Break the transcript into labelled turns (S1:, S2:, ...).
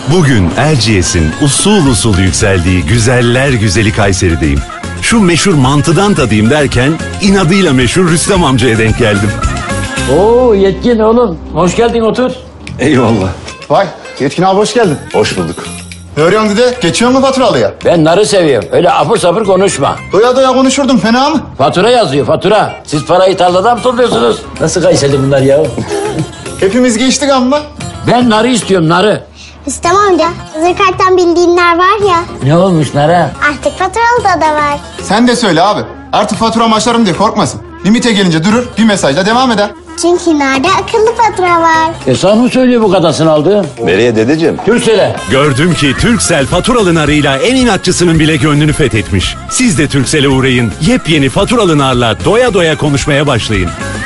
S1: Bugün Erciyes'in usul usul yükseldiği güzeller güzeli Kayseri'deyim. Şu meşhur mantıdan tadayım derken inadıyla meşhur Rüstem amcaya denk geldim.
S2: Oo Yetkin oğlum. Hoş geldin, otur.
S1: Eyvallah.
S3: Vay Yetkin abi hoş geldin.
S1: Hoş bulduk.
S3: Ne örüyorsun dede? Geçiyor mu faturalıya?
S2: Ben narı seviyorum. Öyle apır sapır konuşma.
S3: Doya doya konuşurdum fena mı?
S2: Fatura yazıyor, fatura. Siz parayı tarladan mı topluyorsunuz? Nasıl Kayseri bunlar ya?
S3: Hepimiz geçtik amma.
S2: Ben narı istiyorum, narı.
S4: Rüstem amca, hazır karttan bildiğinler var ya,
S2: Ne olmuş nara?
S4: artık faturalı da var.
S3: Sen de söyle abi. Artık faturam açarım diye korkmasın. Limite gelince durur bir mesajla devam eder.
S4: Çünkü nerede akıllı fatura var.
S2: Sen mi söylüyor bu kadasını aldı?
S1: Nereye dedeciğim?
S2: Türksel'e.
S1: Gördüm ki Turkcell faturalı narıyla en inatçısının bile gönlünü fethetmiş. Siz de Turkcell'e uğrayın. Yepyeni faturalı narla doya doya konuşmaya başlayın.